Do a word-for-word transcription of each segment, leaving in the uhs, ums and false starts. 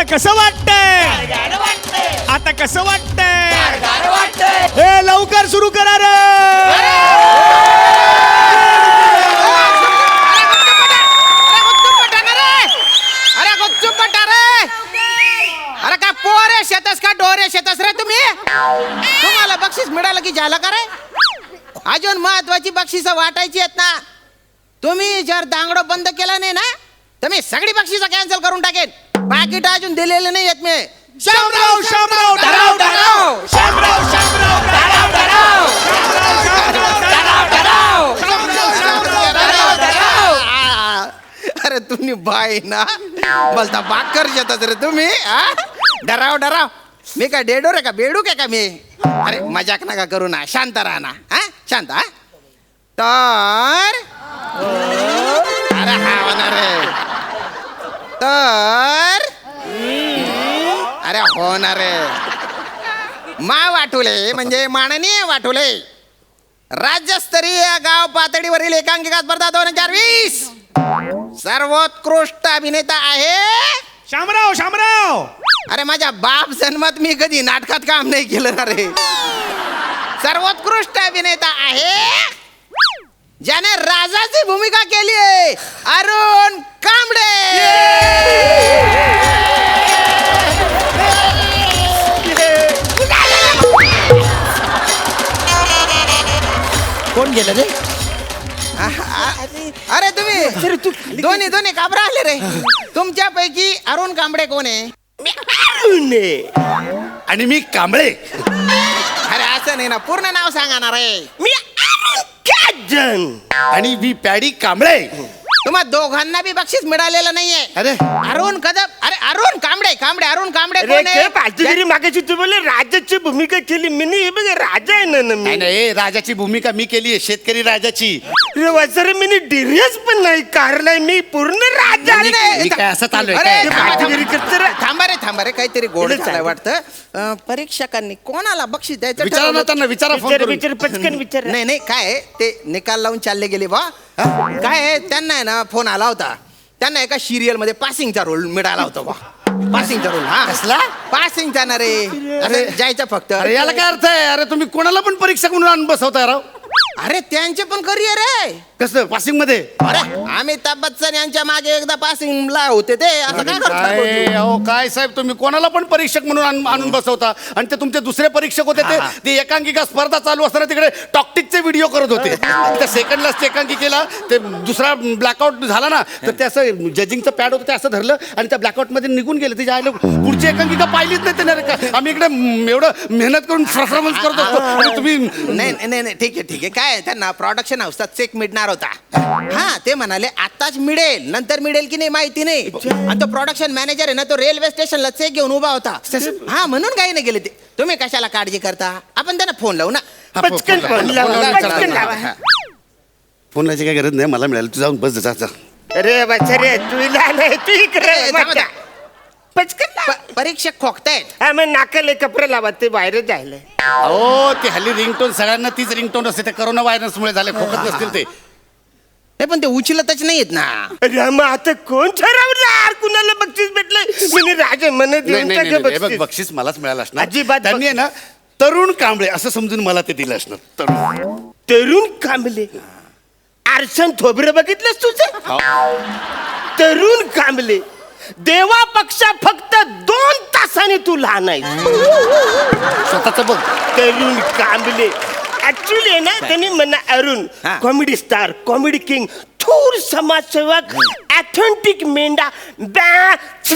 कसं वाटतंय? आता कसं वाटतंय? हे लवकर सुरू करा रे. अरे का पोरे शेतस का डोरे शेतस रे तुम्ही? तुम्हाला बक्षीस मिळालं की झालं का रे? अजून महत्वाची बक्षीस वाटायची आहेत ना. तुम्ही जर दांगडो बंद केला नाही ना तर मी सगळी बक्षीस कॅन्सल करून टाकेन. पाकिट अजून दिलेले नाही आहेत मी. शामराव शामराव डराव डराव शामराव शामराव डराव डराव डराव डराव. अरे तुम्ही बाय ना बोलता बाकर शेतात रे तुम्ही. डराव डराव मी काय डेडो रे का बेडू काय का मी? अरे मजाक नका करू ना. शांत राहा ना. हा शांत. हा तर अरे हा होणार रे. तर अरे होणार रे. मा वाटुले म्हणजे माननीय वाटुले राज्यस्तरीय गाव पातळीवरील एकांकिका स्पर्धा दोन हजार वीस सर्वोत्कृष्ट अभिनेता आहे शामराव शामराव. अरे माझ्या बाप जन्मात मी कधी नाटकात काम नाही केलं ना रे. सर्वोत्कृष्ट अभिनेता आहे ज्याने राजाची भूमिका केली आहे अरुण कांबळे. कोण गेलं रे? अरे तुम्ही दोन्ही दोन्ही काबरा आले रे. तुमच्यापैकी अरुण कांबळे कोण आहे? आणि मी कांबळे. अरे असं नाही ना. पूर्ण नाव सांगा ना रे. मी आणि मी पॅडी कांबळे. तुम्हा दोघांना बी बक्षीस मिळालेलं नाहीये. अरे अरुण कदम. अरे अरुण कांबळे कांबळे अरुण कांबळे कोण आहे? मागायची तू बोले राजाची भूमिका केली मी. हे बघ राजा आहे ना मी. नाही नाही राजाची भूमिका मी केली आहे. शेतकरी राजाची. सर मी डिरियस पण नाही कारलाय. मी पूर्ण राजा नाही, नाही. मी काय असं चालू अरे, आहे थांबा, काय? थांबा. थांबा रे थांबा रे. काहीतरी गोड झालंय वाटतं. अं, परीक्षकांनी कोणाला बक्षीस द्यायचं विचारा ठरवलं? ना त्यांना. विचारा फोन विचार करून. विचार पचकन विचार. नाही नाही काय आहे, ते निकाल लावून चालले गेले बा. काय आहे, त्यांना आहे ना फोन आला होता. त्यांना एका सिरियल मध्ये पासिंगचा रोल मिळाला होता बा. पासिंगचा रोल. हा कसला? पासिंगचा ना रे. अरे जायचं फक्त. अरे याला काय अर्थ आहे? अरे तुम्ही कोणाला पण परीक्षक म्हणून आणून बसवताय राव. अरे त्यांचे पण करिअर आहे. कसं पासिंग मध्ये? अरे अमिताभ बच्चन यांच्या मागे एकदा पासिंगला होते ते. असं काय काय करतात? अहो काय साहेब तुम्ही कोणाला पण परीक्षक म्हणून आण- आणून बसवता. आणि ते तुमचे दुसरे परीक्षक होते ते ते एकांकिका स्पर्धा चालू असताना तिकडे टॉक्टिकचे व्हिडिओ करत होते. त्या सेकंडलाच ते एकांकिकेला ते दुसरा ब्लॅकआउट झाला ना तर ते असं जजिंगचं पॅड होतं ते असं धरलं आणि त्या ब्लॅकआउट मध्ये निघून गेले. ते जायला पुढची एकांकिका पाहिलीच नाही त्याने. का आम्ही इकडे म- एवढं मेहनत करून परफॉर्मन्स करत असतो आणि तुम्ही नाही नाही नाही ठीक आहे ठीक आहे. काय आहे, त्यांना प्रोडक्शन हाऊसचा चेक मिळणार होता. हा ते म्हणाले आताच मिळेल नंतर मिळेल की नाही माहिती नाही. आणि तो प्रोडक्शन मॅनेजर आहे ना तो रेल्वे स्टेशनला चेक घेऊन उभा होता. हा म्हणून काही नाही गेले ते. तुम्ही कशाला काळजी करता? आपण त्यांना फोन लावू ना. हा, फो- पटकन फोन लावा, फोन लावा, फोन लावा, पटकन विचारा. लावा. हा. फोन लावायची काय गरज नाही. मला मिळालं. तू जाऊन बस जा जा. अरे बच्चा तुला नाही तू इकडे ए, थांबा, बच्चा. पचकन लाव. प- परीक्षक खोकतायत. हा मग नाकाले कपडे लावा ते बाहेर जायला. अहो ते हल्ली रिंगटोन सगळ्यांना तीच रिंगटोन असते. ते करोना व्हायरसमुळे झाले. खोकत नसतील ते. नाही पण ते उचलतच नाहीत ना. अरे मग आता कोण ठरवणार कुणाला बक्षीस भेटलंय? मी राजा म्हणत नाही, देऊन नाही, टाका नाही, नाही, हे बघ, बक्षीस. बक्षीस मलाच मिळालं असणार. अजिबात त्यांनी आहे ना तरुण कांबळे असं समजून मला ते दिलं असणार. तरुण तरुण कांबले. आरसन थोबरं बघितलंस तुझं? हो. तरुण कांबले देवापेक्षा फक्त दोन तासाने तू लहान आहे. स्वतःच बघ. तरुण कांबले ऍक्च्युली आहे ना त्यांनी म्हणा अरुण हा. कॉमेडी स्टार कॉमेडी किंग थोर समाजसेवक ऑथेंटिक मेंढा बॅ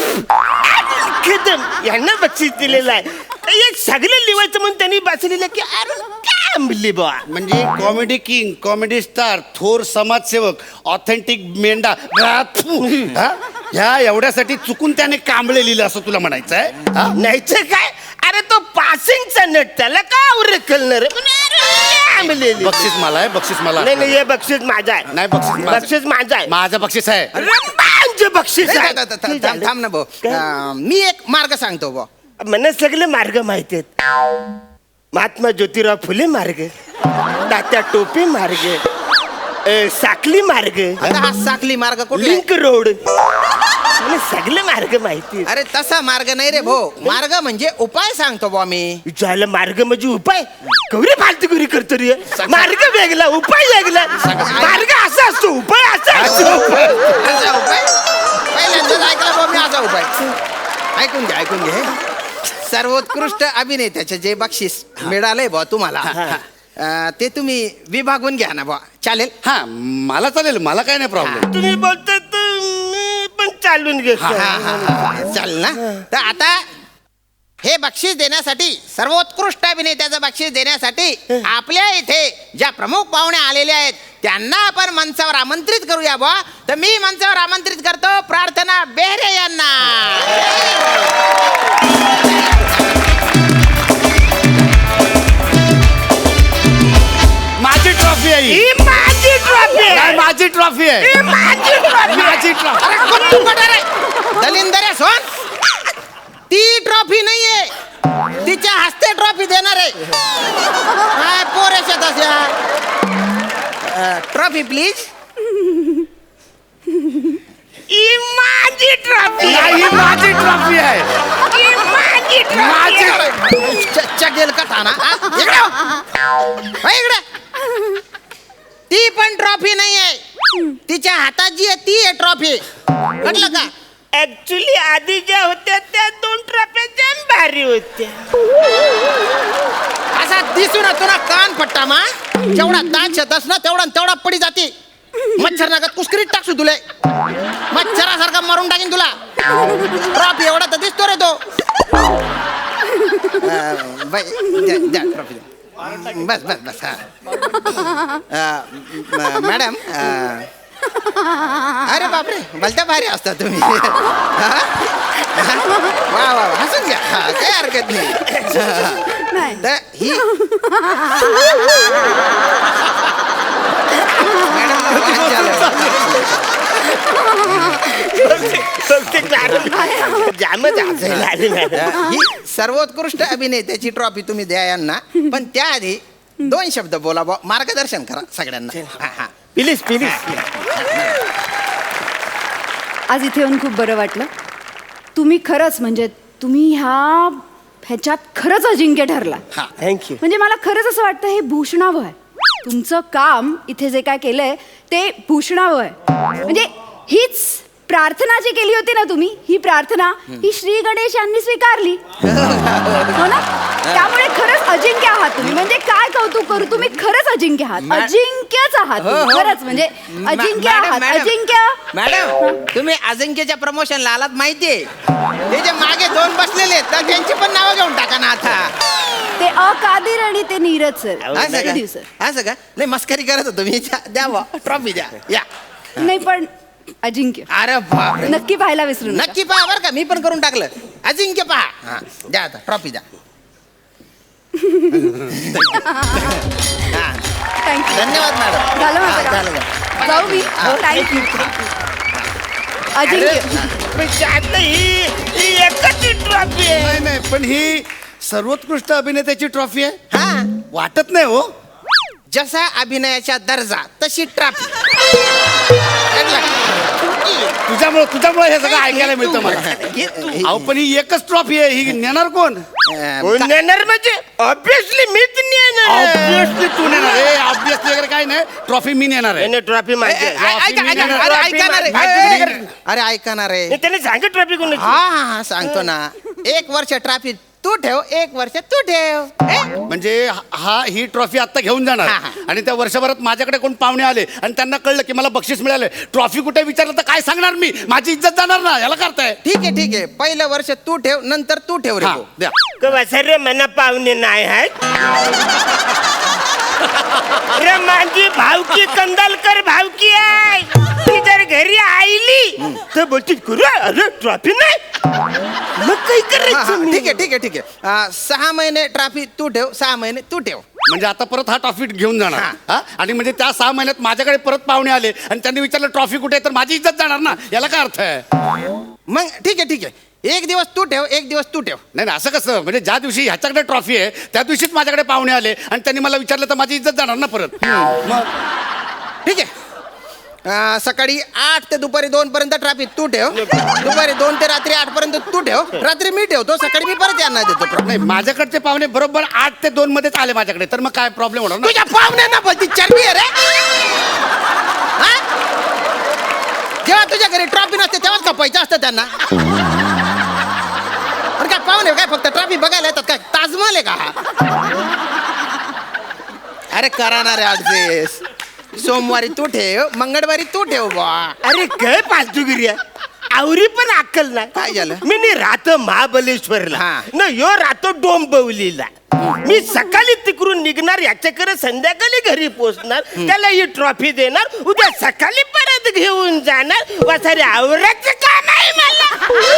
कदम यांना बक्षीस दिलेलं आहे. एक सगळे लिवायचं म्हणून त्यांनी बसलेलं की अरुण कांबले बा. म्हणजे कॉमेडी किंग कॉमेडी स्टार थोर समाजसेवक ऑथेंटिक मेंढा हा, थू. हा? ह्या एवढ्यासाठी चुकून त्याने कांबळे लिहिलं असं तुला म्हणायचं आहे? हा? नाहीच काय. अरे तो पासिंगचा नट त्याला का उरकलणार बक्षीस मला आहे. बक्षीस मला नाही नाही हे बक्षीस माझं आहे. नाही बक्षीस माझं. बक्षीस माझं आहे. माझं बक्षीस आहे. रंबांचे बक्षीस नाही, आहे. थ- थ- थ- थांब थांब ना भाऊ. अं, मी एक मार्ग सांगतो भाऊ. मला सगळे मार्ग माहिती आहेत. महात्मा ज्योतिराव फुले मार्ग, तात्या टोपे मार्ग, अ, साकली मार्ग आता हा साखली मार्ग कुठला लिंक रोड मला सगळे मार्ग माहिती अरे तसा मार्ग नाही रे भाऊ मार्ग म्हणजे उपाय सांगतो बा मी झालं मार्ग म्हणजे उपाय कवरी फालतुगिरी करतो रे मार्ग वेगळा उपाय वेगळा मार्ग असा असतो उपाय असा असतो असा उपाय पहिल्यांदाच ऐकला बा मी असा उपाय ऐकून घे ऐकून घे सर्वोत्कृष्ट अभिनेत्याचे जे बक्षीस मिळालंय बा तुम्हाला अं, ते तुम्ही विभागून घ्या ना बा चालेल हा मला चालेल मला काय नाही प्रॉब्लेम तुम्ही बोलता तर मी पण चालून घेतो हा, हा, हा. चालेल ना तर आता हे बक्षीस देण्यासाठी सर्वोत्कृष्ट अभिनेत्याचं बक्षीस देण्यासाठी आपल्या इथे ज्या प्रमुख पाहुणे आलेले आहेत त्यांना आपण मंचावर आमंत्रित करूया बा तर मी मंचावर आमंत्रित करतो प्रार्थना बेहरे यांना माझी ट्रॉफी आहे ही. ही माझी ट्रॉफी नाही, माझी ट्रॉफी आहे माझी ट्रॉफी माझी ट्रॉफी अरे कुठं कुठं रे? दलिंदर सोन ती ट्रॉफी नाहीये तिच्या हस्ते ट्रॉफी देणार आहे काय पोरेशा तशा ट्रॉफी प्लीज ही माझी ट्रॉफी नाही, ही माझी ट्रॉफी आहे ही माझी माझी ट्रॉफी चगेल कथा ना हा? इकडे हो. हो इकडे ती पण ट्रॉफी नाहीये तिच्या हातात जी आहे ती आहे ट्रॉफी म्हटलं का ऍक्च्युली आधी ज्या होत्या त्या दोन ट्रॉफ्या जाम भारी होत्या असा दिसू ना तुला कान पट्टा मा जेवढा दात शेतस ना तेवढा न तेवढा पडी जाते मच्छर नागात कुस्करीत टाकसू तुला मच्छरासारखा मारून टाकीन तुला ट्रॉफी एवढा तर दिसतो रे तो अं, बाई, द्या, द्या, trophy द्या. बस बस बस हा अं, म- मॅडम अं, अरे बापरे भलत्या भारी असता तुम्ही हा? वा वा वा, हसून घ्या हा, काही हरकत नाही तर ही मॅडम वाद झालं. जामच हसायला आले मॅडम. ही सर्वोत्कृष्ट अभिनेत्याची ट्रॉफी तुम्ही द्या यांना पण त्याआधी दोन शब्द बोला बुवा, मार्गदर्शन करा सगळ्यांना हा, हा. प्लीज प्लीज आज इथे येऊन खूप बरं वाटलं तुम्ही खरंच म्हणजे तुम्ही ह्या ह्याच्यात खरंच अजिंक्य ठरला हा. थँक्यू म्हणजे मला खरंच असं वाटतं हे भूषणावं आहे तुमचं काम इथे जे काय केलंय ते भूषणावं आहे म्हणजे हीच प्रार्थना जी केली होती ना तुम्ही ही प्रार्थना ही श्री गणेश यांनी स्वीकारली हो ना त्यामुळे खरंच अजिंक्य आहात तुम्ही म्हणजे काय कौतुक करू तुम्ही खरंच अजिंक्य आहात मॅ- अजिंक्यच आहात हो, तुम्ही. हो. खरंच म्हणजे मॅ- अजिंक्य मॅडम, आहात मॅडम. अजिंक्य मॅडम तुम्ही अजिंक्यच्या प्रमोशनला आलात माहितीये ते जे मागे दोन बसलेले आहेत तर त्यांची पण नावं घेऊन टाका ना आता ते अकादिर आणि ते नीरज सर असं किती का दिवस असं का नाही मस्करी करत होतो मी द्या ट्रॉफी द्या या नाही पण अजिंक्य अरे बापरे नक्की पाहायला विसरू नका. नक्की पहा बरं का मी पण करून टाकलं अजिंक्य पहा हा द्या आता ट्रॉफी द्या हा थँक्यू धन्यवाद मॅडम झालं माझं हा, काम. झालं झालं. जाऊ मी थँक्यू अजिंक्य म्हणजे आता ही ही एकच ट्रॉफी आहे नाही नाही पण ही सर्वोत्कृष्ट अभिनेत्याची ट्रॉफी आहे हा वाटत नाही हो जसा अभिनयाचा दर्जा तशी ट्रॉफी तुझ्यामुळे तुझ्यामुळे हे सगळं ऐकायला मिळतं मला अहो पण ही एकच ट्रॉफी आहे ही नेणार कोण कोण नेणार म्हणजे ऑब्विसली मीच नेणार ऑब्विसली तू नेणार आहे ऑब्विसली वगैरे काय नाही ट्रॉफी मी नेणार आहे ट्रॉफी माझी आहे. ऐका ऐका अरे ऐका ना रे माझी- अरे, अरे ऐका ना रे नाही, त्याने सांग ट्रॉफी कोण हा हा हा सांगतो ना एक वर्ष ट्रॉफी तू ठेव एक वर्ष तू ठेव ए? म्हणजे हा ही ट्रॉफी आता घेऊन जाणार हा, हा. आणि त्या वर्षभरात माझ्याकडे कोण पाहुणे आले आणि त्यांना कळलं की मला बक्षीस मिळाले ट्रॉफी कुठे विचारलं तर काय सांगणार मी माझी इज्जत जाणार ना याला करताय ठीक आहे ठीक आहे पहिलं वर्ष तू ठेव नंतर तू ठेव रे हा भाऊ. द्या कवा सर मना पाहुणे नाही आहेत रे माझी भावकी कंदालकर भावकी आहे ती जर घरी आईली तर बोलती गुरु अरे ट्रॉफी नाही मग काही हा, हा, करायचं मी? ठीक आहे ठीक आहे ठीक आहे अं, सहा महिने ट्रॉफी तू ठेव सहा महिने तू ठेव म्हणजे आता परत हा ट्रॉफी घेऊन जाणार हा. हा आणि म्हणजे त्या सहा महिन्यात माझ्याकडे परत पाहुणे आले आणि त्यांनी विचारलं ट्रॉफी कुठे आहे तर माझी इज्जत जाणार ना याला काय अर्थ आहे मग ठीक आहे ठीक आहे एक दिवस तू ठेव एक दिवस तू ठेव नाही नाही असं कसं म्हणजे ज्या दिवशी ह्याच्याकडे ट्रॉफी आहे त्या दिवशीच माझ्याकडे पाहुणे आले आणि त्यांनी मला विचारलं तर माझी इज्जत जाणार ना परत मग ठीक आहे अं, सकाळी आठ ते दुपारी दोन पर्यंत ट्रॅफिक तू ठेव दुपारी दोन ते रात्री आठ पर्यंत तू ठेव रात्री मी ठेवतो सकाळी मी परत यांना देतो नाही माझ्याकडचे पाहुणे बरोबर आठ ते दोन मध्येच आले माझ्याकडे तर मग काय प्रॉब्लेम होणार ना तुझ्या पाहुण्यांना बोलती चरबी आहे रे हा? जेव्हा तुझ्या घरी ट्रॉफी नसते तेव्हाच का पैसे असतं त्यांना अरे काय पाहुणे काय फक्त ट्रॉफी बघायला येतात काय ताजमहल आहे का हा? अरे करा ना रे ऍडजस्ट सोमवारी तू ठेव मंगळवारी तू ठेव बा अरे काय फालतूगिरी आहे आवरी पण अक्कल नाही काय झालं? मी नी राहतो महाबलेश्वरला हा. न यो राहतो डोंबिवलीला मी सकाळी तिकडून निघणार याच्याकडे संध्याकाळी घरी पोहोचणार त्याला ही ट्रॉफी देणार उद्या सकाळी परत घेऊन जाणार वासारे आवराचं काम आहे मला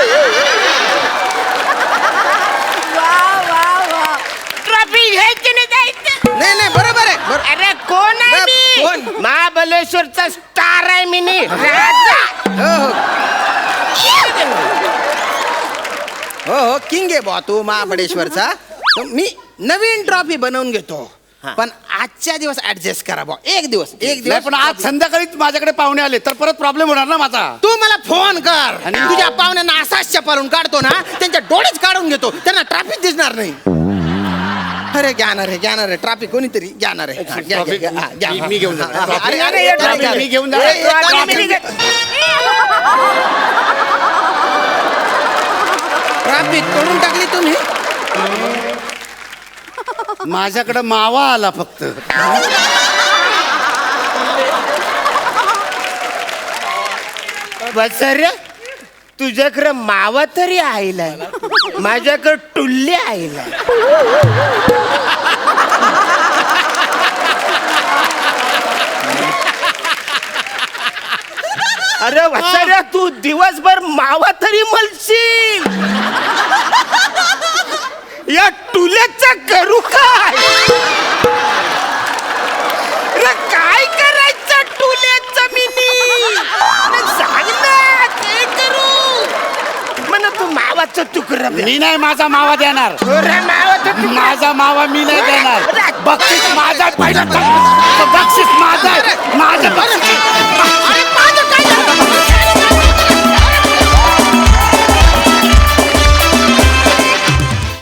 वा वा वा ट्रॉफी घ्यायची नाही जायचं नाही नाही बरोबर आहे बरोबर. अरे कोण आहे बा- कोण? मी महाबलेश्वरचा स्टार आहे मी नी राजा हो हो हो हो किंग आहे बा तू महाबळेश्वरचा तर मी नवीन ट्रॉफी बनवून घेतो पण आजच्या दिवस ऍडजस्ट करा बा एक दिवस एक नाही दिवस पण आज संध्याकाळीच माझ्याकडे पाहुणे आले तर परत प्रॉब्लेम होणार ना माझा तू मला फोन कर आणि तुझ्या पाहुण्यांना असाच चपालून काढतो ना त्यांच्या डोळेच काढून घेतो त्यांना ट्रॅफिक दिसणार नाही अरे घ्याणार आहे घ्याणार आहे ट्रॅफिक कोणीतरी घ्याणार आहे हा, घ्या, घ्या, घ्या, हा, घ्या. मी- मी घेऊन जाणार. हा, हा, अरे, अरे, अरे, हे अरे, ट्रॉफी अरे, मी घेऊन अरे, जाणार. अरे, ट्रॉफी अरे, मी घे- ट्रॅफिक तोडून टाकली तुम्ही माझ्याकडे मावा आला फक्त बसऱ्या तुझ्याकडे मावा तरी आईला माझ्याकडे टुल्ली आईला अरे वसऱ्या तू दिवसभर मावा तरी मलशील या टुल्याचा करू काय अरे काय करायचं टुल्याचं मिनी अरे सांग ना काय करू म्हणा तू मावाचं तुकडं दे. मी नाही माझा मावा देणार अरे मावाचं तुकडं माझा मावा मी नाही देणार बक्षीस माझा पहिला बक्षीस माझा माझं बक्षीस